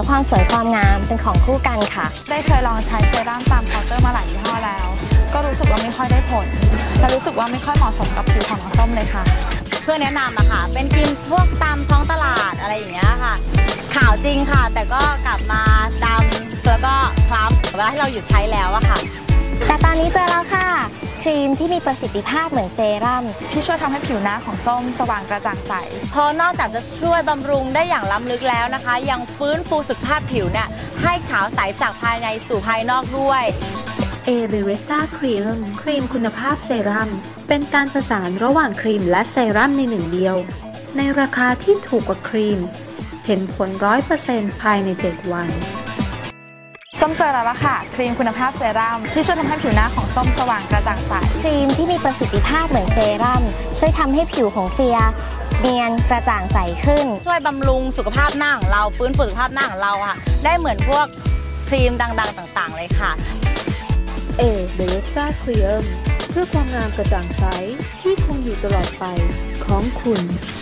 และความสวยความงามเป็นของคู่กันค่ะได้เคยลองใช้เซรั่มตามเคาน์เตอร์มาหลายยี่ห้อแล้วก็รู้สึกว่าไม่ค่อยได้ผลและรู้สึกว่าไม่ค่อยเหมาะสมกับผิวของน้องส้มเลยค่ะเพื่อแนะนำอะค่ะเป็นครีมพวกตามท้องตลาดอะไรอย่างเงี้ยค่ะขาวจริงค่ะแต่ก็กลับมาดำแล้วก็คล้ำเวลาที่เราหยุดใช้แล้วอะค่ะแต่ตอนนี้เจอแล้วค่ะครีมที่มีประสิทธิภาพเหมือนเซรั่มที่ช่วยทำให้ผิวหน้าของส้มสว่างกระจ่างใสเพราะนอกจากจะช่วยบำรุงได้อย่างล้ำลึกแล้วนะคะยังฟื้นฟูสุขภาพผิวเนี่ยให้ขาวใสจากภายในสู่ภายนอกด้วยเอริเวต้าครีมคุณภาพเซรั่มเป็นการประสานระหว่างครีมและเซรั่มในหนึ่งเดียวในราคาที่ถูกกว่าครีมเห็นผล 100% ภายใน 7 วันส้มเจอแล้วล่ะค่ะครีมคุณภาพเซรั่มที่ช่วยทำให้ผิวหน้าของส้มสว่างกระจ่างใสครีมที่มีประสิทธิภาพเหมือนเซรั่มช่วยทำให้ผิวของเฟียเนียนกระจ่างใสขึ้นช่วยบำรุงสุขภาพหน้าของเราฟื้นฟูสุขภาพหน้าของเราค่ะได้เหมือนพวกครีมดังๆต่างๆเลยค่ะเบลซ่าครีมเพื่อความงามกระจ่างใสที่คงอยู่ตลอดไปของคุณ